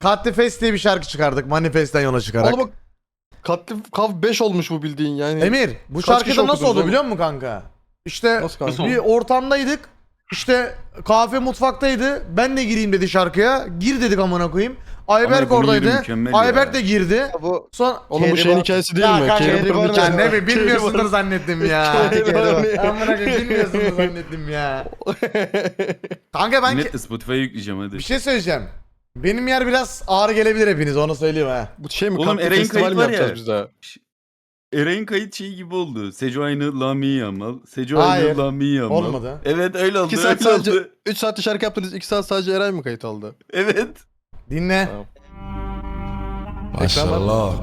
Katli Fest diye bir şarkı çıkardık Manifest'ten yola çıkarak. Oğlum bak katli kav 5 olmuş bu bildiğin yani. Emir bu Kaç şarkıda kişi nasıl okudunuz oldu oğlum? biliyor musun kanka? İşte Nasıl kanka? bir ortamdaydık. İşte kahve mutfaktaydı. Ben de gireyim dedi şarkıya. Gir dedik amına koyayım. Ayberk ekonomi yeri oradaydı. mükemmel Ayberk ya. de girdi. Bu Son oğlum bu şeyin hikayesi değil mi? Kanka, Kerem'in ya hikayesi. ne bilmiyorsundur zannettim ya. Kerem. Amına koyayım bilmiyorsundur zannettim ya. Kanka ben Net de Spotify'a yükleyeceğim hadi. bir şey söyleyeceğim. Benim yer biraz ağır gelebilir hepiniz onu söyleyeyim ha. Bu şey mi? Oğlum, Katli Eren'in festival kayıt mi var yapacağız ya. biz daha? Eren'in kayıt şeyi gibi oldu. Seco aynı Lami Yamal. Seco Hayır, aynı Lami Yamal. olmadı. Evet öyle oldu. 2 saat öyle sadece oldu. 3 saatte şarkı yaptınız. 2 saat sadece Eren mi kayıt aldı? Evet. Dinle. Tamam. Maşallah.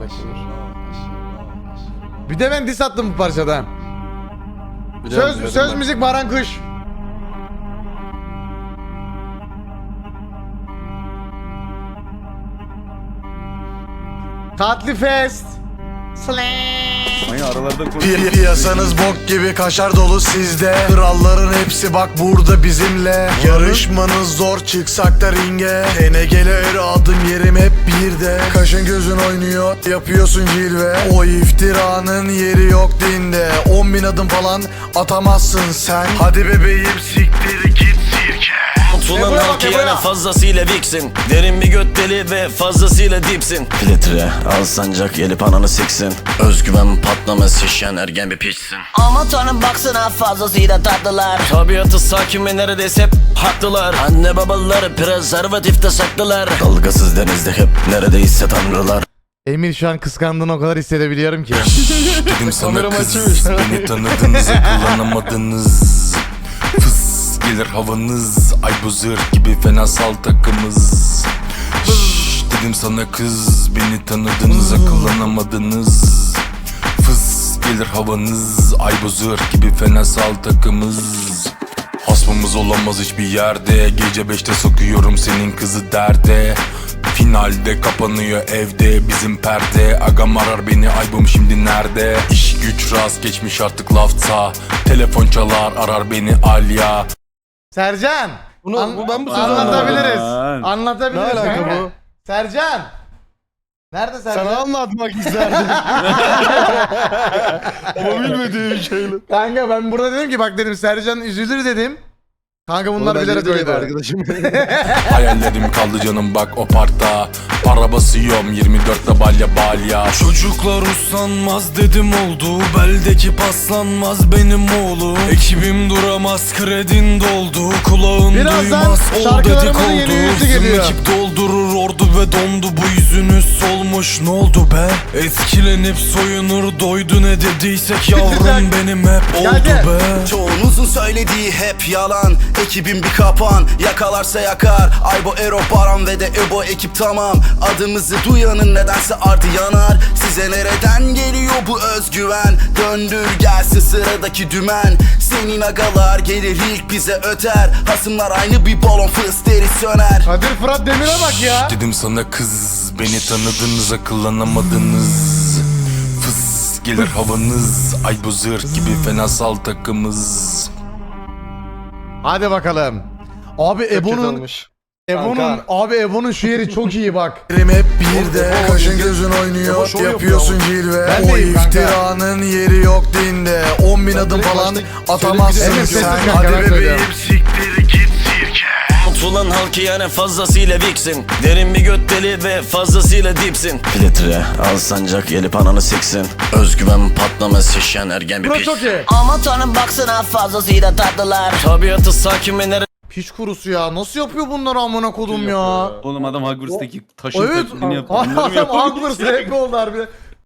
Bir de ben diss attım bu parçada. Biliyorum, Söz biliyorum ben. müzik Baran Kış. Katli Fest. Ay aralarda konuşuyoruz. Piyasanız bok gibi kaşar dolu sizde. Kralların hepsi bak burada bizimle. Yarışmanız zor çıksak da ringe. TNG'lere adım yerim hep birde. Kaşın gözün oynuyor yapıyorsun cilve. O iftiranın yeri yok dinde. 10.000 adım falan atamazsın sen. Hadi bebeğim siktir git sirke. Ulan Ebo'ya bak, halkı Ebo'ya. yani fazlasıyla viksin. Derin bir göt deli ve fazlasıyla dipsin. Filtre al sancak gelip ananı siksin. Özgüven patlaması şişen ergen bir piçsin. Aman tanrım baksana fazlasıyla tatlılar. Tabiatı sakin ve neredeyse hep haklılar. Anne babaları prezervatifte saklılar. Dalgasız denizde hep neredeyse tanrılar. Emir şu an kıskandığını o kadar hissedebiliyorum ki. Dedim sana Kameramı kız açmış. beni tanıdınız kullanamadınız. Fıs gelir havanız ay bu zırh gibi fenasal takımız. Şşş dedim sana kız beni tanıdınız akıllanamadınız. Fıs gelir havanız ay bu zırh gibi fenasal takımız. Hasmımız olamaz hiçbir yerde. Gece 5'te sokuyorum senin kızı derde. Finalde kapanıyor evde bizim perde. Agam arar beni aybım şimdi nerede? İş güç rast geçmiş artık lafta. Telefon çalar arar beni Alya. Sercan. Ben bu sözü Anlatabiliriz. Aman. Anlatabiliriz. Ne alaka kanka. bu? Sercan. Nerede Sercan? Sana anlatmak isterdim. Ama bilmediğim şeyle. Kanka ben burada dedim ki bak dedim Sercan üzülür dedim. Kanka bunlar bilerek koydu. Arkadaşım. Hayallerim kaldı canım bak o parkta. Para basıyorum 24'te balya. Çocuklar uslanmaz dedim oldu. Beldeki paslanmaz benim oğlum. Ekibim duramaz kredin doldu. Kulağın Birazdan duymaz ol şarkılarımızın yeni dedikodu. yüzü Bizim geliyor. ekip doldurur ordu ve dondu. Bu yüzünüz solmuş ne oldu be? Etkilenip soyunur doydu ne dediysek yavrum benim hep oldu Gel. be. Çoğunuzun söylediği hep yalan. Ekibim bir kapan, yakalarsa yakar. Aybo, Ero, Baran ve de Ebo ekip tamam. Adımızı duyanın nedense ardı yanar. Size nereden geliyor bu özgüven? Döndür gelsin sıradaki dümen. Senin agalar gelir ilk bize öter. Hasımlar aynı bir balon fıs deri söner. Kadir Fırat Demir'e bak ya. Dedim sana kız beni tanıdınız akıllanamadınız. Fıs gelir havanız ay bu zırh gibi fenasal takımız. Hadi bakalım. Abi Ebo'nun şu yeri çok iyi bak. Benim hep birde kaşın gözün oynuyor şov yapıyorsun yapıyor. cilve. Ben O deyim kanka. iftiranın yeri yok dinde. 10.000 adım direkt falan başta atamazsın söylediğim sessiz sen. kanka, Hadi ben bebeğim söylüyorum. siktir git sirke. Ulan halkı yani fazlasıyla viksin. Derin bir göt deli ve fazlasıyla dipsin. Filtre al sancak gelip ananı siksin. Özgüven patlaması şişen ergen bir Burası çok piçsin. iyi. Aman tanrım baksana fazlasıyla tatlılar. Tabiatı sakin ve Piç kurusu ya. Nasıl yapıyor bunları amına kodum ya? Oğlum adam Hogwarts'taki taşın Evet. taklidini yaptı. Bunları mı Adam yapıyor? Hogwarts rap oldu harbi.